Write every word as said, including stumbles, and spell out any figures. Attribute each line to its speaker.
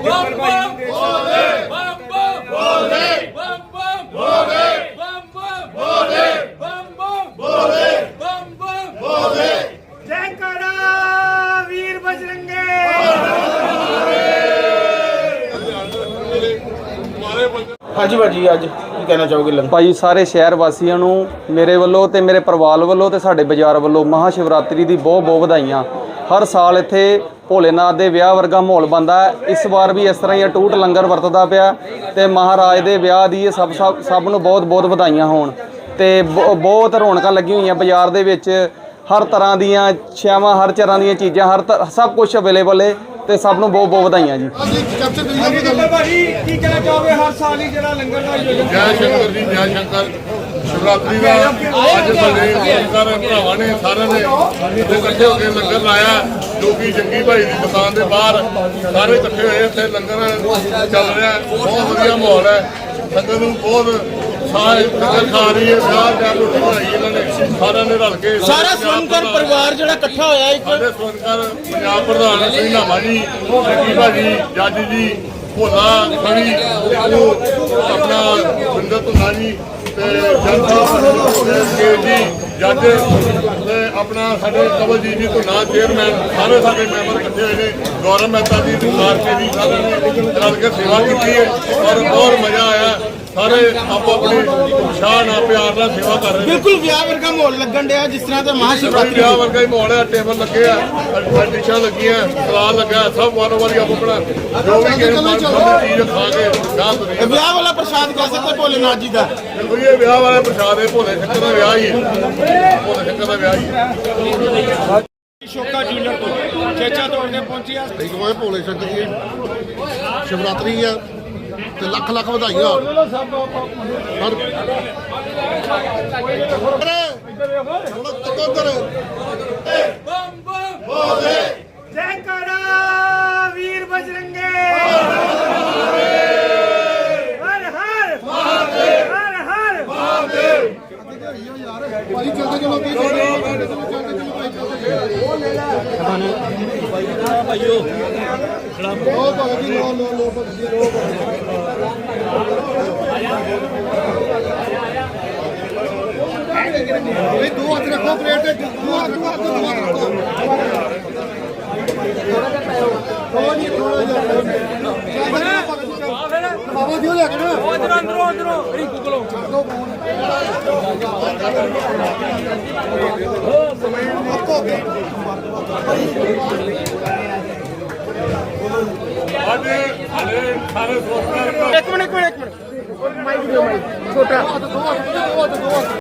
Speaker 1: बम बम भोले बम बम भोले बम बम भोले बम बम भोले बम बम भोले बम बम भोले
Speaker 2: जयकारा वीर बजरंगे।
Speaker 3: ਹਾਂਜੀ ਭਾਜੀ ਅੱਜ ਕੀ ਕਹਿਣਾ ਚਾਹੋਗੇ ਲੰਗਰ
Speaker 4: ਭਾਈ ਸਾਰੇ ਸ਼ਹਿਰ ਵਾਸੀਆਂ ਨੂੰ ਮੇਰੇ ਵੱਲੋਂ ਤੇ ਮੇਰੇ ਪਰਿਵਾਰ ਵੱਲੋਂ ਤੇ ਸਾਡੇ ਬਾਜ਼ਾਰ ਵੱਲੋਂ ਮਹਾ ਸ਼ਿਵਰਾਤਰੀ ਦੀ ਬਹੁਤ ਬਹੁਤ ਵਧਾਈਆਂ। ਹਰ ਸਾਲ ਇੱਥੇ ਭੋਲੇਨਾਥ ਦੇ ਵਿਆਹ ਵਰਗਾ ਮਾਹੌਲ ਬਣਦਾ ਹੈ। ਇਸ ਵਾਰ ਵੀ ਇਸ ਤਰ੍ਹਾਂ ਹੀ ਅਟੂਟ ਲੰਗਰ ਵਰਤਦਾ ਪਿਆ ਤੇ ਮਹਾਰਾਜ ਦੇ ਵਿਆਹ ਦੀ ਇਹ ਸਭ ਸਭ ਸਭ ਨੂੰ ਬਹੁਤ ਬਹੁਤ ਵਧਾਈਆਂ ਹੋਣ ਤੇ ਬਹੁਤ ਰੌਣਕਾਂ ਲੱਗੀਆਂ ਹੋਈਆਂ ਬਾਜ਼ਾਰ ਦੇ ਵਿੱਚ। ਹਰ ਤਰ੍ਹਾਂ ਦੀਆਂ ਛਿਆਵਾਂ ਹਰ ਤਰ੍ਹਾਂ ਦੀਆਂ ਚੀਜ਼ਾਂ ਹਰ ਸਭ ਕੁਝ ਅਵੇਲੇਬਲ ਹੈ ਤੇ ਸਭ ਨੂੰ ਬਹੁਤ ਬਹੁਤ ਵਧਾਈਆਂ ਜੀ।
Speaker 2: ਭਾਜੀ ਕੀ ਕਹਿਣਾ ਚਾਹੋਗੇ ਹਰ ਸਾਲ ਹੀ ਜਿਹੜਾ ਲੰਗਰ ਦਾ ਆਯੋਜਨ
Speaker 5: ਜੈ ਸ਼ੰਕਰ ਜੀ ਜੈ ਸ਼ੰਕਰ ਸ਼ਿਵਰਾਤਰੀ ਦਾ ਅੱਜ ਸਾਡੇ ਸਾਰੇ ਭਰਾਵਾਂ ਨੇ ਸਾਰਿਆਂ ਨੇ ਇੱਥੇ ਇਕੱਠੇ ਹੋ ਕੇ ਲੰਗਰ ਲਾਇਆ ਜੋ ਕਿ ਜੰਗੀ ਭਾਈ ਦੀ ਦੁਕਾਨ ਦੇ ਬਾਹਰ ਸਾਰੇ ਇਕੱਠੇ ਹੋਏ ਇੱਥੇ ਲੰਗਰ ਚੱਲ ਰਿਹਾ ਬਹੁਤ ਵਧੀਆ ਮਾਹੌਲ ਹੈ। ਸੰਗਤ ਨੂੰ ਬਹੁਤ ਸਾਰੇ ਲੰਗਰ ਖਾ ਰਹੀ ਹੈ ਵਿਆਹ ਦਾ ਰੋਟੀ ਬਣਾਈ ਇਹਨਾਂ ਨੇ ਸਾਰਿਆਂ ਨੇ ਰਲ ਕੇ
Speaker 3: ਸਾਰਾ ਸਵਰਨਕਰ ਪਰਿਵਾਰ ਜਿਹੜਾ ਇਕੱਠਾ ਹੋਇਆ ਇੱਕ
Speaker 5: ਸਾਡੇ ਸਵਰਨਕਰ ਪੰਜਾਬ ਪ੍ਰਧਾਨ ਸਿੰਘ ਨਾਮਾ ਜੀ ਜੰਗੀ ਭਾਜੀ ਜੱਜ ਜੀ ਭੋਲਾ ਖੜੀ ਆਪਣਾ ਬਿੰਦਰ ਧੁੰਨਾ ਜੀ ਤੇ ਜੱਜ ਜੀ ਜੱਜ ਤੇ ਆਪਣਾ ਸਾਡੇ ਕਵਲਜੀਤ ਜੀ ਧੁੰਨਾ ਚੇਅਰਮੈਨ ਸਾਰੇ ਸਾਡੇ ਮੈਂਬਰ ਇਕੱਠੇ ਹੋਏ ਨੇ। ਗੌਰਵ ਮਹਿਤਾ ਜੀ ਦੁਕਾਨ ਜੀ ਸਾਰਿਆਂ ਨੇ ਰਲ ਕੇ ਸੇਵਾ ਕੀਤੀ ਹੈ ਔਰ ਬਹੁਤ ਮਜ਼ਾ ਆਇਆ। ਸਾਰੇ ਆਪੋ ਆਪਣੇ ਉਤਸ਼ਾਹ ਨਾਲ ਪਿਆਰ ਨਾਲ ਸੇਵਾ ਕਰ ਰਹੇ ਨੇ।
Speaker 3: ਬਿਲਕੁਲ ਵਿਆਹ ਵਰਗਾ ਮਾਹੌਲ ਲੱਗਣ ਡਿਆ ਜਿਸ ਤਰ੍ਹਾਂ ਤੇ ਮਹਾ ਸ਼ਿਵਰਾਤਰੀ
Speaker 5: ਵਿਆਹ ਵਰਗਾ ਹੀ ਮਾਹੌਲ ਹੈ। ਟੇਬਲ ਲੱਗੇ ਆ ਡਿਸ਼ਾਂ ਲੱਗੀਆਂ ਸਲਾਦ ਲੱਗਾ ਸਭ ਵਾਰੋ ਵਾਰੀ ਆਪੋ ਆਪਣਾ ਜੋ ਵੀ ਕਿਸੇ ਮਨ ਪਸੰਦ ਚੀਜ਼ ਖਾ ਕੇ ਗਾਹ ਤੁਰੇ।
Speaker 3: ਇਹ ਵਿਆਹ ਵਾਲਾ ਪ੍ਰਸ਼ਾਦ ਕਹਿ ਸਕਦੇ ਭੋਲੇਨਾਥ ਜੀ ਦਾ।
Speaker 5: ਬਿਲਕੁਲ ਇਹ ਵਿਆਹ ਵਾਲਾ ਪ੍ਰਸ਼ਾਦ ਹੈ। ਭੋਲੇ ਸ਼ੰਕਰ ਦਾ ਵਿਆਹ ਹੀ ਹੈ। ਭੋਲੇ ਸ਼ੰਕਰ ਦਾ ਵਿਆਹ ਹੀ ਹੈ।
Speaker 2: ਸ਼ੋਕਾ ਜੂਲਰ ਤੋਂ ਚੇਚਾ ਤੋੜਨੇ ਪਹੁੰਚੀ ਆ।
Speaker 6: ਇੱਕ ਵਾਰ ਭੋਲੇ ਸ਼ੰਕਰ ਦੀ ਸ਼ਿਵਰਾਤਰੀ ਆ ਤੇ ਲੱਖ ਲੱਖ ਵਧਾਈਆਂ।
Speaker 1: बम बम भोले
Speaker 2: जयकारा वीर बजरंगे। हर हर महादेव हर हर महादेव।
Speaker 6: ਭਾਈ ਚੱਲਦੇ ਚਲੋ ਕੀ ਚੱਲਦੇ ਚਲੋ ਭਾਈ
Speaker 3: ਭਾਈਓ
Speaker 6: ਲੋ ਭਗਤੀ ਲੋ ਲੋ ਲੋ ਭਗਤੀ ਲੋ ਇਹ ਦੋ ਹੱਥ ਰੱਖੋ ਪਲੇਟ ਤੇ ਦੋ ਹੱਥ ਰੱਖੋ ਦੋ ਹੱਥ ਰੱਖੋ ਥੋੜਾ ਜਿਹਾ ਥੋੜਾ ਜਿਹਾ ਬਾਬਾ ਜੀ ਲੈ ਕੇ ਨਾ
Speaker 1: अंदरों अंदरों अंदरों रिंकू को
Speaker 5: ਅੱਜ ਹਲੇ ਸਾਰੇ ਸੋਚਦੇ
Speaker 2: एक मिनट एक मिनट एक मिनट माइक दो माइक छोटा